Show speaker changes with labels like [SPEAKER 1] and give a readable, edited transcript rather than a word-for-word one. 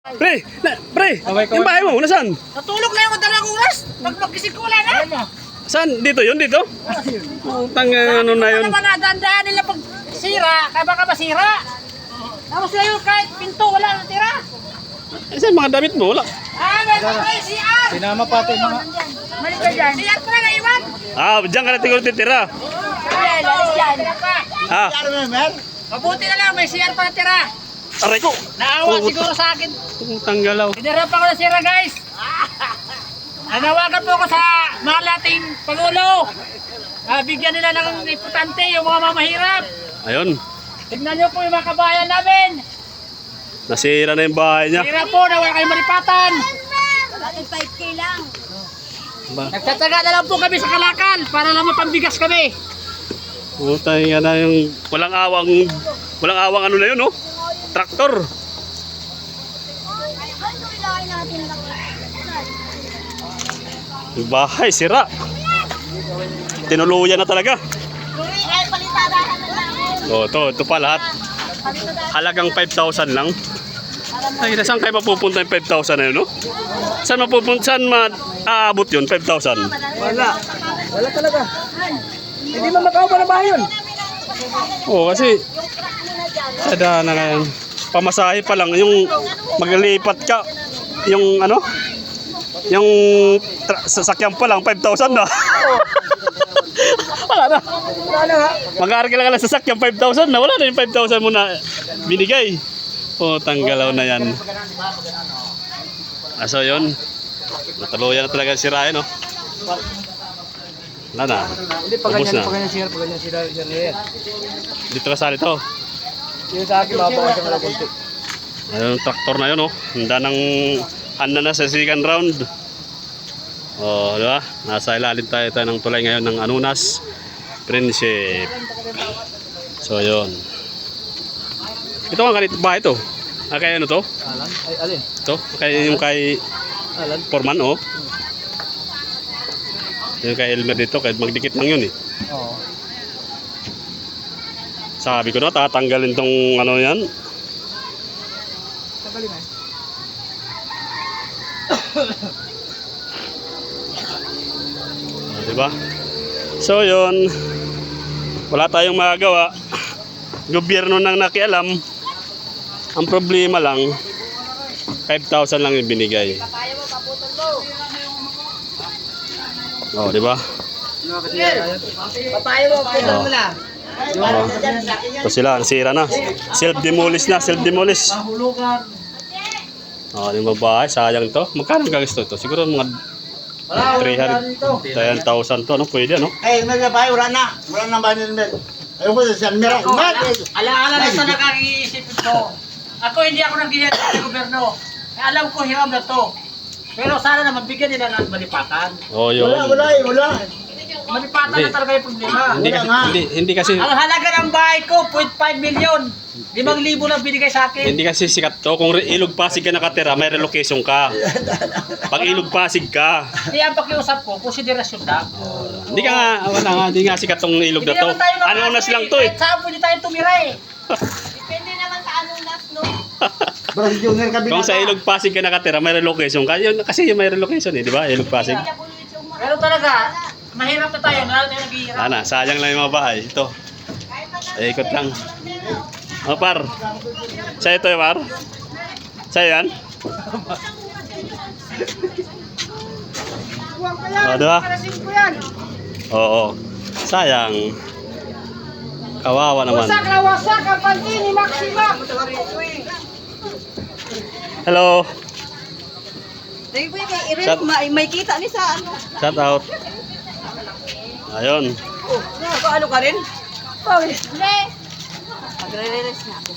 [SPEAKER 1] Pre, yung bahay mo, nasaan?
[SPEAKER 2] Natulog na yung dalawang oras. Pagpagising ko wala na.
[SPEAKER 1] Saan? Dito yun, dito? Utang ano na yun.
[SPEAKER 2] Ano naman na, dandaan nila pag sira, kaya baka masira. Tapos na yun, kahit pinto, wala natira.
[SPEAKER 1] Saan mga damit mo? Wala.
[SPEAKER 2] May CR.
[SPEAKER 3] Sinama pati mga...
[SPEAKER 2] Mali ka dyan. CR pa na naiwan.
[SPEAKER 1] Diyan ka na tingol titira.
[SPEAKER 2] Ayan, lalis yan. Mabuti na lang, may CR pa natira.
[SPEAKER 1] Aray ko.
[SPEAKER 2] Naawa siguro sa akin.
[SPEAKER 1] Tanggalaw.
[SPEAKER 2] Pinarap ako ng sira, guys. Nanawagan po ako sa mahal nating Pangulo. Bigyan nila ng importante yung mga mamahirap.
[SPEAKER 1] Ayun.
[SPEAKER 2] Tignan nyo po yung mga kabayan namin.
[SPEAKER 1] Nasira na yung bahay niya.
[SPEAKER 2] Sira po na wala kayong maripatan.
[SPEAKER 4] Bakit 5K lang?
[SPEAKER 2] Nagtataga na lang po kami sa Kalakal para lang mapambigas kami.
[SPEAKER 1] Utang nga na yung walang awang ano na yun, oh. Traktor. Yung bahay, sira. Tinuluyan na talaga.
[SPEAKER 4] Ay, palitadahan na lang.
[SPEAKER 1] Ito pa lahat. Halagang 5,000 lang. Ay, saan kayo mapupunta yung 5,000 na yun, no? Saan aabot yun, 5,000?
[SPEAKER 3] Wala talaga. Hindi mo makaupa na bahay yun.
[SPEAKER 1] Oo, kasi sada na ngayon. Pamasahe pa lang, yung maglipat ka, yung ano, yung sasakyan pa lang, 5,000 na. Wala na. Mag-aaral ka lang sa sasakyan, 5,000 na. Wala na yung 5,000 mo na binigay. Tanggalaw na yan. So yun, natuluyan na talaga sirain, no? Wala na.
[SPEAKER 3] Hindi, pag ganyan sila.
[SPEAKER 1] Dito ka sa ito.
[SPEAKER 3] Yung sa akin, mabawas ang mga kunti.
[SPEAKER 1] Ayun, traktor na yun, oh. Handa na sa second round. Di ba? Nasa ilalim tayo ng tulay ngayon ng Anunas Friendship. So, yun. Ito ang ganito ba ito? Kaya ano to?
[SPEAKER 3] Alan? Ay, alin?
[SPEAKER 1] Ito? Yung kay
[SPEAKER 3] Alan?
[SPEAKER 1] Foreman, oh. Yung kay Elmer dito, kahit magdikit lang yun, eh.
[SPEAKER 3] Oo.
[SPEAKER 1] Sabi ko na, tatanggalin tong ano yan.
[SPEAKER 3] Tagalin eh.
[SPEAKER 1] Diba? So yun, wala tayong magagawa. Gobyerno nang nakialam. Ang problema lang, 5,000 lang yung binigay. Diba?
[SPEAKER 2] Papayo mo, putol mo na.
[SPEAKER 1] Ito sila, nasira na. Self-demolish na, self-demolish. Yung babae, sayang to. Magkano gagastos to? Siguro mga 300,000 to, ano? Pwede, ano?
[SPEAKER 5] Eh, nagabay, wala na. Wala na ba nila? Ayun ko sa San Mira.
[SPEAKER 2] Ala-ala na ito nakakaisip ko. Ako hindi ako nag-iyan sa gobyerno. Alam ko hiram na to. Pero sana naman bigyan nila ng malipatan.
[SPEAKER 1] Yun.
[SPEAKER 5] Wala.
[SPEAKER 2] Malipatan na talaga yung problema.
[SPEAKER 1] Hindi kasi
[SPEAKER 2] Ang halaga ng bahay ko, 0.5 million. 5,000 lang binigay sa akin.
[SPEAKER 1] hindi kasi sikat to. Kung Ilog Pasig ka nakatira, may relocation ka. Pag Ilog Pasig ka,
[SPEAKER 2] Kaya ang pakiusap ko, konsiderasyon lang.
[SPEAKER 1] hindi ka nga, hindi nga sikat tong ilog na to. Anunas lang to, eh.
[SPEAKER 2] Kahit saan pwede tayo tumira eh.
[SPEAKER 4] Depende naman sa anunas, no?
[SPEAKER 5] Barang junior ka
[SPEAKER 1] Kung sa Ilog Pasig ka nakatira, may relocation ka. Kasi yung may relocation, eh, di ba? Ilog Pasig.
[SPEAKER 2] Pero talaga, mahirap na tayo. Lalo tayo naghihirap.
[SPEAKER 1] Sayang lang yung mga bahay. Ito. Ikot lang. Par. Sa'yo ito, Par. Sa'yo yan? Diba? Oo. Sayang. Kawawa naman.
[SPEAKER 2] Wasak na wasak ang panty ni Maxima.
[SPEAKER 1] Hello.
[SPEAKER 4] Dahil po yung kay Irene, may kita ni sa ano.
[SPEAKER 1] Shout out. Ayun.
[SPEAKER 4] Ano ka rin? Pawis. Magre-release na.